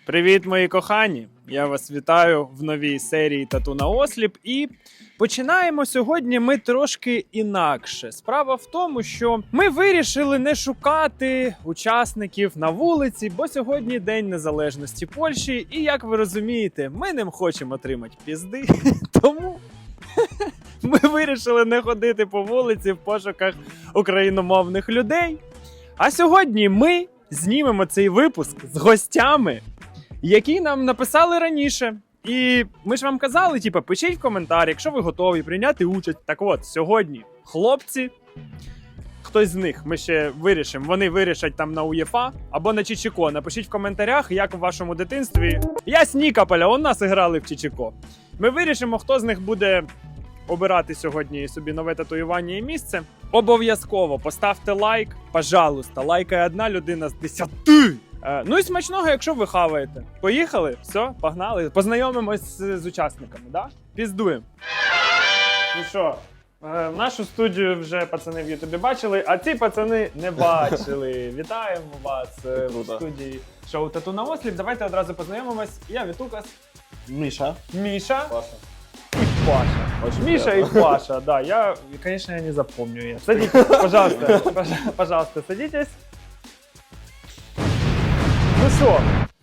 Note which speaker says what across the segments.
Speaker 1: Привіт, мої кохані! Я вас вітаю в новій серії Тату на осліп. І починаємо сьогодні ми трошки інакше. Справа в тому, що ми вирішили не шукати учасників на вулиці, бо сьогодні День Незалежності Польщі. І, як ви розумієте, ми не хочемо отримати пізди, тому ми вирішили не ходити по вулиці в пошуках україномовних людей. А сьогодні ми знімемо цей випуск з гостями, які нам написали раніше. І ми ж вам казали, пишіть в коментарі, якщо ви готові прийняти участь. Так от, сьогодні хлопці, хтось з них, ми ще вирішимо, вони вирішать там на УЄФА або на Чичіко. Напишіть в коментарях, як в вашому дитинстві. Я з Нікополя, у нас грали в Чичіко. Ми вирішимо, хто з них буде обирати сьогодні собі нове татуювання і місце. Обов'язково поставте лайк, пожалуйста, лайкає одна людина з 10. Ну і смачного, якщо ви хаваєте. Поїхали? Все, погнали. Познайомимось з учасниками, да? Піздуємо. Ну що, нашу студію вже пацани в Ютубі бачили, а ці пацани не бачили. Вітаємо вас в студії шоу Тату на осліп. Давайте одразу познайомимось. Я Вітукас.
Speaker 2: Миша.
Speaker 1: Миша.
Speaker 2: Паша.
Speaker 1: И Паша.
Speaker 2: Очень
Speaker 1: Миша
Speaker 2: приятно.
Speaker 1: и Паша, да. Конечно, я не запомню. Садитесь, пожалуйста. Пожалуйста, садитесь. Ну что,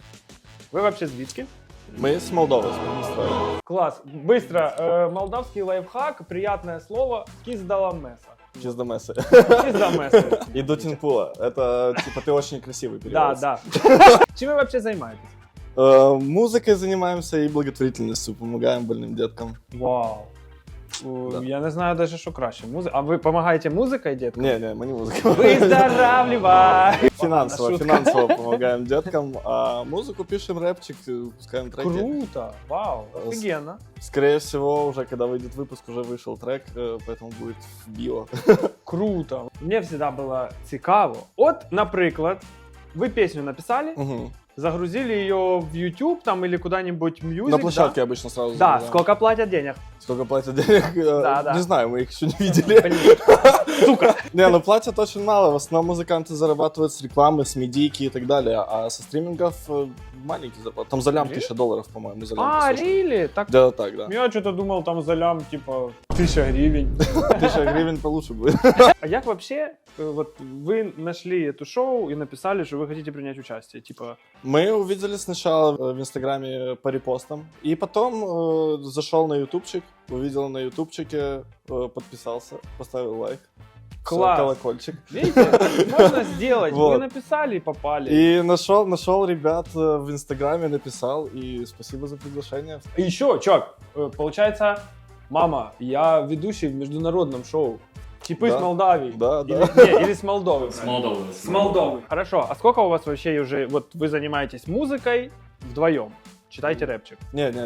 Speaker 1: вы вообще звідки?
Speaker 2: Мы с Молдовы.
Speaker 1: Класс. Быстро. Молдавский лайфхак, приятное слово. Киздала-меса.
Speaker 2: Чиздамесы.
Speaker 1: Киздамеса.
Speaker 2: И Дутинпула. Это типа ты очень красивый
Speaker 1: Да,
Speaker 2: перевод.
Speaker 1: да. Чем вы вообще занимаетесь?
Speaker 2: Музыкой занимаемся и благотворительностью. Помогаем больным деткам.
Speaker 1: Вау.
Speaker 2: Да.
Speaker 1: Я не знаю даже, що краще. А ви допомагаєте музикою діткам?
Speaker 2: Не, мы не музыкой.
Speaker 1: Выздоравливай!
Speaker 2: Финансово помогаем деткам. А музыку пишем, рэпчик, пускаем треки.
Speaker 1: Круто! Вау! Офигенно!
Speaker 2: Скорее всего, уже когда выйдет выпуск, уже вышел трек, поэтому будет в био.
Speaker 1: Круто! Мені завжди було цікаво. От, наприклад, ви пісню написали,
Speaker 2: Мгм.
Speaker 1: загрузили ее в YouTube там или куда-нибудь в Music,
Speaker 2: На площадке
Speaker 1: да?
Speaker 2: обычно сразу.
Speaker 1: Да,
Speaker 2: загружаем.
Speaker 1: сколько платят денег?
Speaker 2: Сколько платят денег?
Speaker 1: Да.
Speaker 2: Не знаю, мы их еще не видели.
Speaker 1: Блин, сука!
Speaker 2: Не, ну платят очень мало. В основном музыканты зарабатывают с рекламы, с медийки и так далее. А со стримингов маленький зарплат. Там за лям
Speaker 1: Really?
Speaker 2: $1000, по-моему, за лям.
Speaker 1: А,
Speaker 2: послушать.
Speaker 1: really? Так,
Speaker 2: Да, так, да.
Speaker 1: я что-то думал там за лям, типа, 1000 гривен.
Speaker 2: 1000 гривен получше будет.
Speaker 1: А як вообще, вот вы нашли эту шоу и написали, что вы хотите принять участие? Типа,
Speaker 2: Мы увидели сначала в Инстаграме по репостам. И потом зашел на ютубчик, увидел на ютубчике, подписался, поставил лайк. Всё,
Speaker 1: Класс.
Speaker 2: колокольчик.
Speaker 1: видите, можно сделать. Вы
Speaker 2: Вот.
Speaker 1: написали и попали.
Speaker 2: И нашел ребят в Инстаграме, написал. И спасибо за приглашение.
Speaker 1: И еще, чувак, получается, мама, я ведущий в международном шоу. Типы
Speaker 2: Да.
Speaker 1: с Молдавии.
Speaker 2: Да,
Speaker 1: Или,
Speaker 2: да.
Speaker 1: не, или с Молдовы.
Speaker 3: С Молдовы.
Speaker 1: С Молдовы. Хорошо. А сколько у вас вообще уже, вот вы занимаетесь музыкой вдвоем? Читайте рэпчик.
Speaker 2: Нет,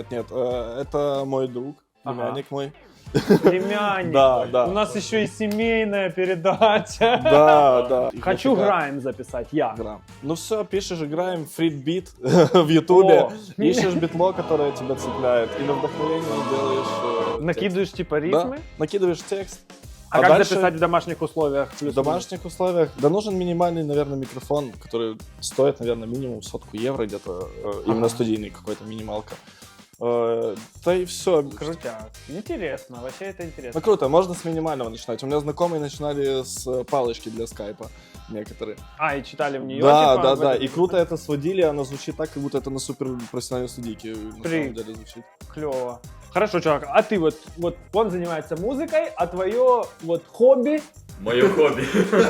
Speaker 2: это мой друг, племянник мой.
Speaker 1: Племянник.
Speaker 2: Да.
Speaker 1: У нас еще и семейная передача.
Speaker 2: Да.
Speaker 1: Хочу грайм записать, я.
Speaker 2: Грамм. Ну все, пишешь, играем фрит-бит в Ютубе,
Speaker 1: О.
Speaker 2: ищешь битло, которое тебя цепляет, и на вдохновение делаешь
Speaker 1: Накидываешь типа
Speaker 2: текст.
Speaker 1: рифмы.
Speaker 2: Да, накидываешь текст.
Speaker 1: А, как
Speaker 2: дальше
Speaker 1: записать в домашних условиях?
Speaker 2: в домашних условиях? Да нужен минимальный, наверное, микрофон, который стоит, наверное, минимум 100 евро где-то, именно студийный какой-то, минималка. Да и все.
Speaker 1: Крутяк. Интересно, вообще это интересно.
Speaker 2: Ну круто, можно с минимального начинать. У меня знакомые начинали с палочки для скайпа некоторые.
Speaker 1: А, и читали в нее,
Speaker 2: Да,
Speaker 1: типа,
Speaker 2: да.
Speaker 1: в
Speaker 2: И круто это сводили, оно звучит так, как будто это на супер профессиональной студийке на самом деле звучит.
Speaker 1: Клево. Хорошо, чувак, а ты вот он занимается музыкой, а твое вот хобби?
Speaker 3: Мое хобби.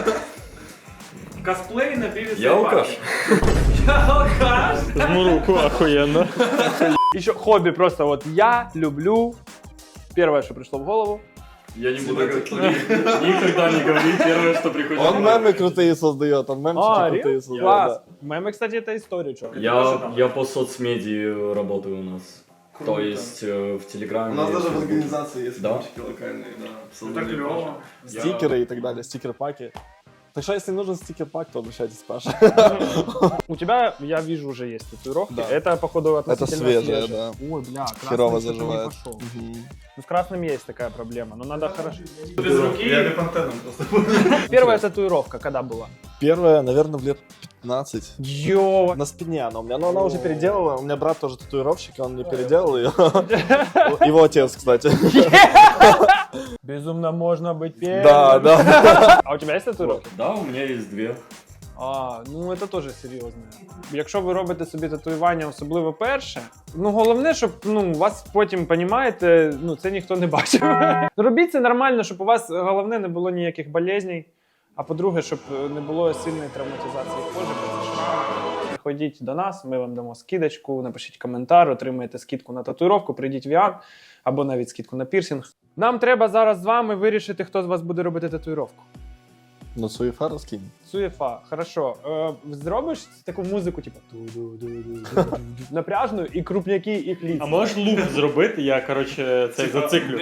Speaker 1: Косплей на пиве.
Speaker 3: Я алкаш.
Speaker 1: Я алкаш.
Speaker 2: Жму руку, охуенно.
Speaker 1: Еще хобби просто вот я люблю. Первое, что пришло в голову.
Speaker 3: Я не буду никогда не говорить первое, что приходит.
Speaker 2: Он мемы крутые создает, он мемчики крутые
Speaker 1: реально?
Speaker 2: создает.
Speaker 1: Класс. Мемы, кстати, это история, чувак.
Speaker 3: Я по соцмедии работаю у нас. То есть в Телеграме.
Speaker 2: У нас даже в организации есть
Speaker 3: Да?
Speaker 2: мемчики локальные, да.
Speaker 1: Это клево.
Speaker 2: Стикеры и так далее, стикер-паки. Так что, если нужен стикер-пак, то обращайтесь к Паше.
Speaker 1: У тебя, я вижу, уже есть татуировки.
Speaker 2: Да.
Speaker 1: Это, походу, относительно
Speaker 2: свежее, да.
Speaker 1: Ой, бля, красный
Speaker 2: Херово
Speaker 1: что-то не
Speaker 2: заживает.
Speaker 1: пошел.
Speaker 2: Мгм.
Speaker 1: Ну, с красным есть такая проблема, но надо хорошо.
Speaker 4: Без руки. Я бепантеном просто.
Speaker 1: Первая татуировка когда была?
Speaker 2: Первая, наверное, в лет 15.
Speaker 1: Йо!
Speaker 2: На спине она у меня, но она уже переделала. У меня брат тоже татуировщик, он мне переделал ее. Его отец, кстати.
Speaker 1: Безумно можно быть первым.
Speaker 2: Да, да.
Speaker 1: А у тебя є татуїровки?
Speaker 3: Да, у меня есть 2.
Speaker 1: А, ну це теж серйозно. Якщо ви робите собі татуювання, особливо перше, ну головне, щоб у вас потім, понімаєте, це ніхто не бачив. Робіть це нормально, щоб у вас головне не було ніяких болезней, а по-друге, щоб не було сильної травматизації кожи, бо це шрами. Приходіть до нас, ми вам дамо скидочку, напишіть коментар, отримаєте скидку на татуїровку, прийдіть в Віан або навіть скидку на пірсинг. Нам треба зараз з вами вирішити, хто з вас буде робити татуїровку.
Speaker 2: Ну, Суефа розкинь.
Speaker 1: Суєфа, хорошо. Зробиш таку музику, типу напряжну і крупняки, і кліці.
Speaker 4: А можеш луп зробити? Я, коротше, цей зациклю.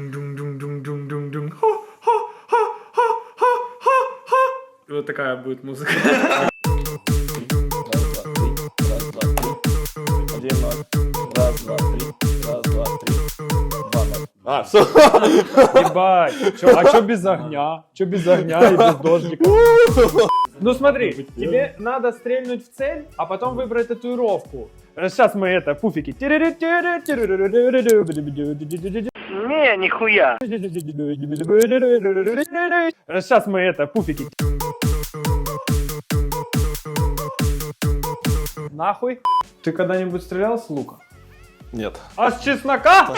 Speaker 1: Вот такая будет музыка.
Speaker 2: Раз, два, три. Раз, два, три. Два, ноль. А, все.
Speaker 1: Ебать. А чё без огня? Чё без огня и без дождика? Ну смотри, тебе надо стрельнуть в цель, а потом выбрать татуировку. Сейчас мы это, пуфики. Не, нихуя. Сейчас мы это, пуфики. Нахуй. Ты когда-нибудь стрелял с лука?
Speaker 2: Нет.
Speaker 1: А с чеснока?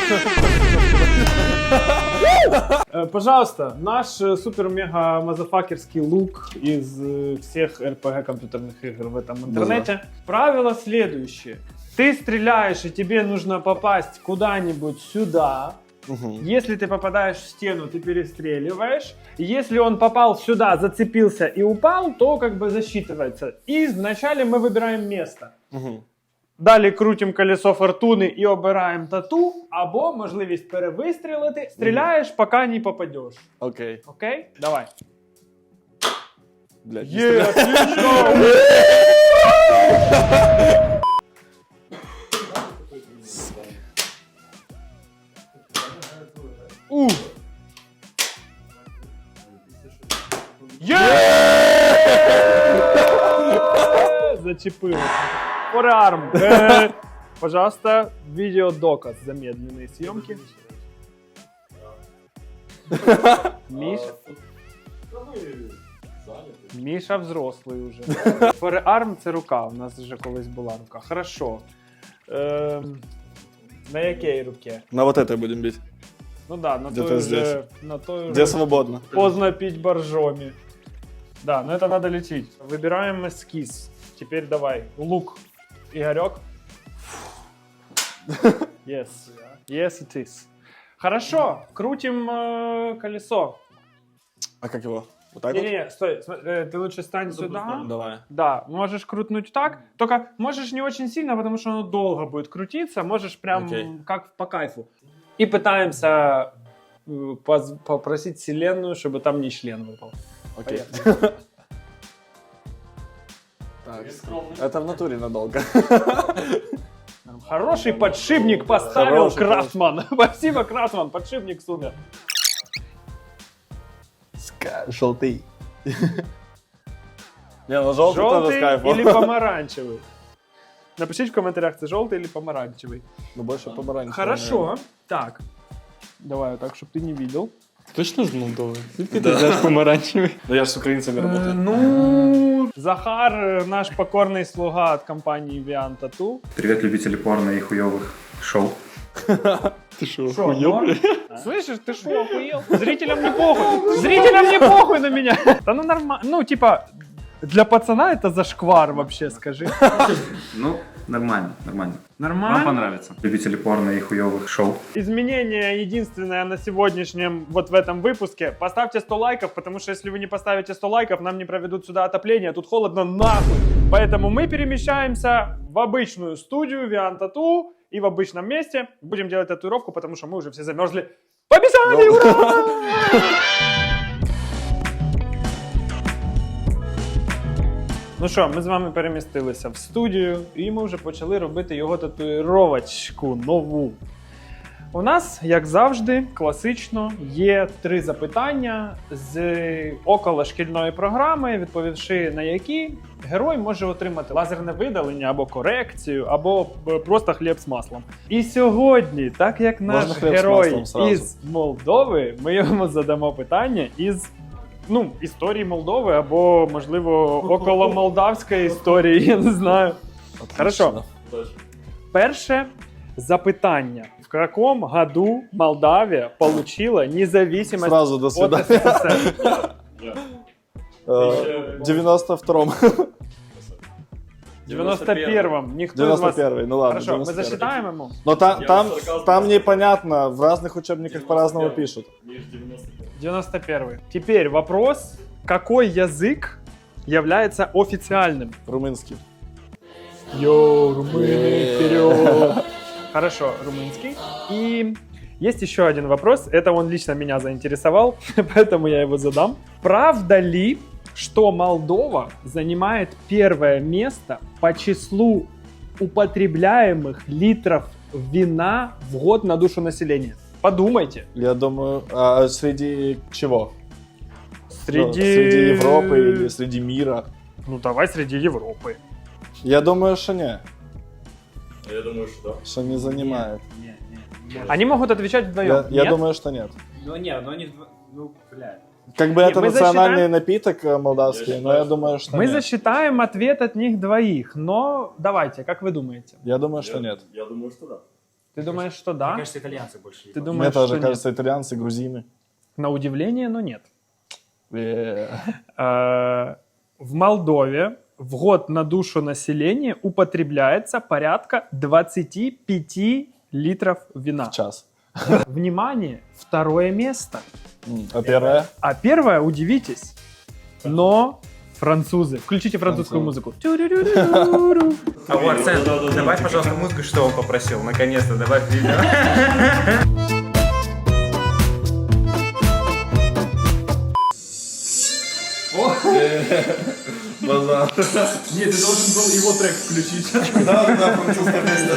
Speaker 1: Пожалуйста, наш супер-мега-мазафакерский лук из всех RPG компьютерных игр в этом интернете. Правило следующее. Ты стреляешь, и тебе нужно попасть куда-нибудь сюда. Если ты попадаешь в стену, ты перестреливаешь. Если он попал сюда, зацепился и упал, то как бы засчитывается. И вначале мы выбираем место. Далі крутимо колесо фортуни і обираємо тату, або можливість перевистрілити. Стріляєш, поки не попадеш.
Speaker 2: Окей.
Speaker 1: Окей? Давай.
Speaker 2: Блядь.
Speaker 1: Є, отлично! Є! Зачепилося. Фореарм. Пожалуйста, видеодоказ замедленной съемки. Міша взрослий уже. Фореарм це рука. У нас вже колись була рука. Хорошо. На якій руці?
Speaker 2: На вот этой будем бить.
Speaker 1: Ну да, на
Speaker 2: Где-то
Speaker 1: той
Speaker 2: здесь.
Speaker 1: уже. На той
Speaker 2: Где
Speaker 1: уже.
Speaker 2: свободно.
Speaker 1: Поздно пить боржоми. Да, но это надо лечить. Выбираем эскиз. Теперь давай. Лук. Игорек. Yes. Yes, it is. Хорошо. Крутим колесо.
Speaker 2: А как его? Вот так вот?
Speaker 1: Не-не-не, стой. Ты лучше стань сюда.
Speaker 2: Давай.
Speaker 1: Да, можешь крутнуть так. Только можешь не очень сильно, потому что оно долго будет крутиться. Можешь прям
Speaker 2: Окей.
Speaker 1: как по кайфу. И пытаемся попросить вселенную, чтобы там не член выпал.
Speaker 2: Окей. Так. Это в натуре надолго.
Speaker 1: Хороший подшипник поставил
Speaker 2: Хороший,
Speaker 1: Крафтман. Спасибо, Крафтман, подшипник супер.
Speaker 2: Желтый. Не, ну желтый тоже с
Speaker 1: Желтый
Speaker 2: кайфом.
Speaker 1: или помаранчевый? Напишите в комментариях, это желтый или помаранчевый.
Speaker 2: Ну больше помаранчевый.
Speaker 1: Хорошо. Так. Давай вот так, чтобы ты не видел.
Speaker 4: Точно з Молдови? Звідки ти взяв помаранчевий?
Speaker 2: Ну я же с украинцами работаю.
Speaker 1: Ну, Захар, наш покорный слуга от компании Vian Tattoo.
Speaker 5: Привет, любители порно и хуёвых шоу.
Speaker 4: Ти що,
Speaker 1: Шо,
Speaker 4: охуєв,
Speaker 1: норм?
Speaker 4: бля?
Speaker 1: Слышишь, ты что, охуел? Зрителям не похуй. Зрителям не похуй на меня. Да ну нормально. Ну, типа, для пацана это зашквар вообще, скажи.
Speaker 5: Ну, нормально, нормально. Вам
Speaker 1: Нормально?
Speaker 5: понравится. Любители порно и хуёвых шоу.
Speaker 1: Изменение единственное на сегодняшнем, вот в этом выпуске. Поставьте 100 лайков, потому что если вы не поставите 100 лайков, нам не проведут сюда отопление. Тут холодно нахуй. Поэтому мы перемещаемся в обычную студию Vian Tattoo и в обычном месте будем делать татуировку, потому что мы уже все замерзли. Побежали! Ура! Ну що, ми з вами перемістилися в студію, і ми вже почали робити його татуїровочку нову. У нас, як завжди, класично є 3 запитання з околошкільної програми, відповівши на які герой може отримати лазерне видалення або корекцію, або просто хліб з маслом. І сьогодні, так як наш
Speaker 2: Можна хліб з
Speaker 1: герой
Speaker 2: маслом сразу.
Speaker 1: із Молдови, ми йому задамо питання із історії Молдови або, можливо, около молдавської історії, я не знаю. Хорошо. Перше запитання. В каком году Молдавия получила независимость
Speaker 2: Сразу до
Speaker 1: от
Speaker 2: свидания.
Speaker 1: СССР?
Speaker 2: В 92-м.
Speaker 1: В 91-м. Никто из вас...
Speaker 2: 91-й, ну ладно.
Speaker 1: Хорошо, мы
Speaker 2: 91-й.
Speaker 1: засчитаем ему?
Speaker 2: Но
Speaker 3: Я
Speaker 2: там
Speaker 3: сарказм.
Speaker 2: непонятно, в разных учебниках по-разному пишут.
Speaker 1: 91-й. Теперь вопрос. Какой язык является официальным?
Speaker 2: Румынский.
Speaker 1: Йоу, румыны, вперед! Хорошо, румынский. И есть еще один вопрос. Это он лично меня заинтересовал, поэтому я его задам. Правда ли, что Молдова занимает первое место по числу употребляемых литров вина в год на душу населения? Подумайте.
Speaker 2: Я думаю, а среди чего? Ну,
Speaker 1: Среди...
Speaker 2: среди Европы или среди мира?
Speaker 1: Ну давай среди Европы.
Speaker 2: Я думаю, что не.
Speaker 3: Я думаю, что да.
Speaker 2: Что не занимает.
Speaker 1: Они могут отвечать вдвоем.
Speaker 2: Я
Speaker 1: Нет?
Speaker 2: думаю, что нет.
Speaker 6: Ну не, но они... Ну, блядь.
Speaker 2: Как бы
Speaker 1: Не,
Speaker 2: это
Speaker 1: мы
Speaker 2: национальный
Speaker 1: засчитаем-
Speaker 2: напиток молдавский,
Speaker 3: Я
Speaker 2: но я
Speaker 3: считаю,
Speaker 2: думаю, что
Speaker 1: Мы
Speaker 2: нет.
Speaker 1: засчитаем ответ от них двоих, но давайте, как вы думаете?
Speaker 2: Я думаю, что нет.
Speaker 3: Я думаю, что да.
Speaker 1: Ты думаешь, что да?
Speaker 6: Мне кажется, итальянцы больше.
Speaker 1: Ты
Speaker 6: ебут.
Speaker 1: думаешь,
Speaker 2: Мне тоже
Speaker 1: что нет?
Speaker 2: кажется, итальянцы, грузины.
Speaker 1: На удивление, но нет.
Speaker 2: Э,
Speaker 1: В Молдове в год на душу населения употребляется порядка 25 литров вина.
Speaker 2: В час.
Speaker 1: Внимание, второе место.
Speaker 2: А первое?
Speaker 1: А первое, удивитесь, но французы. Включите французскую музыку. Тю-рю-рю-рю-рю.
Speaker 6: А вот, Арсен, добавь, пожалуйста, музыку, что он попросил. Наконец-то, добавь видео.
Speaker 2: Базар.
Speaker 1: Нет, ты должен был его трек включить.
Speaker 2: Да, французская песня.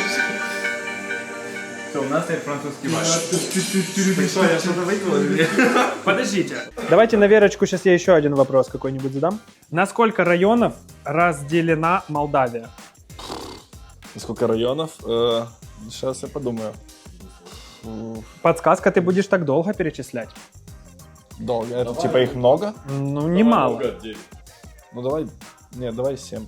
Speaker 6: Что, у нас теперь французский матч.
Speaker 2: Что, я что-то выиграл?
Speaker 1: Подождите. Давайте на Верочку сейчас я еще один вопрос какой-нибудь задам. На сколько районов разделена Молдавия?
Speaker 2: Сколько районов? Сейчас я подумаю.
Speaker 1: Подсказка, ты будешь так долго перечислять?
Speaker 2: Долго. Это типа их много?
Speaker 1: Ну, немало.
Speaker 2: Ну давай. Нет, давай 7.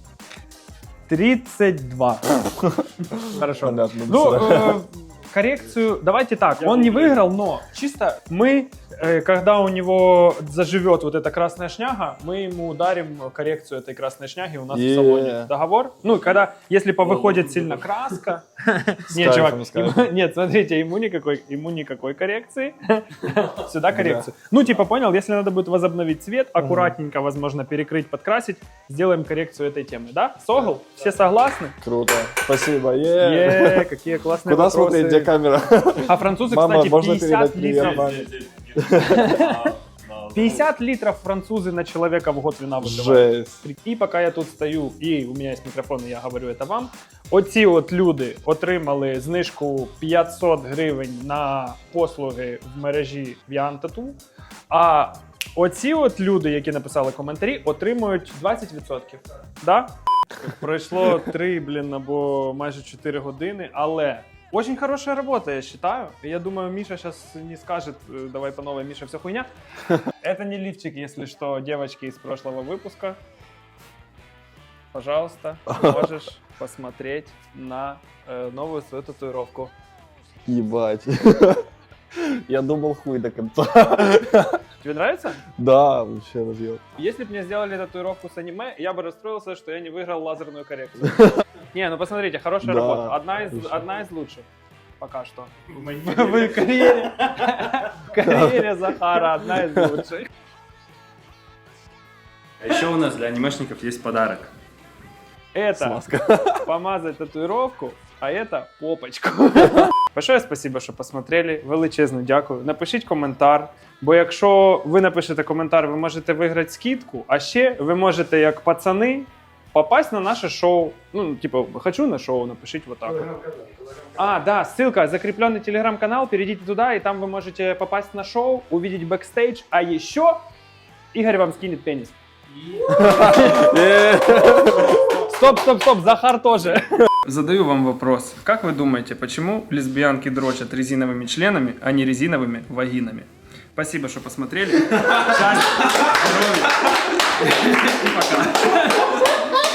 Speaker 1: 32. Хорошо.
Speaker 2: Понятно.
Speaker 1: Ну, коррекцию, давайте так, он не выиграл, но чисто мы, когда у него заживет вот эта красная шняга, мы ему ударим коррекцию этой красной шняги у нас в салоне. Договор? Ну, когда, если повыходит сильно краска... Нет, чувак,
Speaker 2: с кайфом.
Speaker 1: нет, смотрите, ему никакой коррекции. Сюда коррекцию. Ну, типа, понял, если надо будет возобновить цвет, аккуратненько, возможно, перекрыть, подкрасить, сделаем коррекцию этой темы, да? Согл? Все согласны?
Speaker 2: Круто. Спасибо.
Speaker 1: Какие классные
Speaker 2: Куда
Speaker 1: вопросы.
Speaker 2: смотреть, где камера?
Speaker 1: А французы,
Speaker 2: Мама,
Speaker 1: кстати,
Speaker 2: можно
Speaker 1: 50
Speaker 2: передать привет
Speaker 1: литров.
Speaker 2: маме?
Speaker 1: 50 литров французы на человека в год вина выпивають.
Speaker 2: Жесть.
Speaker 1: І поки я тут стою, і у мене є мікрофон, і я говорю це вам. Оці от люди отримали знижку 500 гривень на послуги в мережі Vian Tattoo, а оці от люди, які написали коментарі, отримують 20%. Да? Пройшло 3, або майже 4 години, але очень хорошая работа, я считаю. Я думаю, Миша сейчас не скажет, давай по новой, Миша, все хуйня. Это не лифчик, если что, девочки из прошлого выпуска. Пожалуйста, можешь посмотреть на новую свою татуировку.
Speaker 2: Ебать. Я думал хуй до конца.
Speaker 1: Тебе нравится?
Speaker 2: Да, вообще разъел.
Speaker 1: Если бы мне сделали татуировку с аниме, я бы расстроился, что я не выиграл лазерную коррекцию. Не, ну посмотрите, хорошая
Speaker 2: Да,
Speaker 1: работа.
Speaker 2: отлично.
Speaker 1: Одна из лучших. Пока что. В карьере Захара одна из лучших.
Speaker 6: А еще у нас для анимешников есть подарок.
Speaker 1: Это помазать татуировку, а это попочку. Большое спасибо, що посмотрели. Величезно дякую. Напишіть коментар, бо якщо ви напишете коментар, ви можете виграти скидку, а ще ви можете, як пацани, попасть на наше шоу. Ну, типа, хочу на шоу, напишите вот так. А, да, ссылка, закрепленный телеграм-канал, перейдите туда, и там вы можете попасть на шоу, увидеть бэкстейдж, а еще Игорь вам скинет пенис. Стоп, Захар тоже. Задаю вам вопрос. Как вы думаете, почему лесбиянки дрочат резиновыми членами, а не резиновыми вагинами? Спасибо, что посмотрели. Счастья, здоровья. И пока.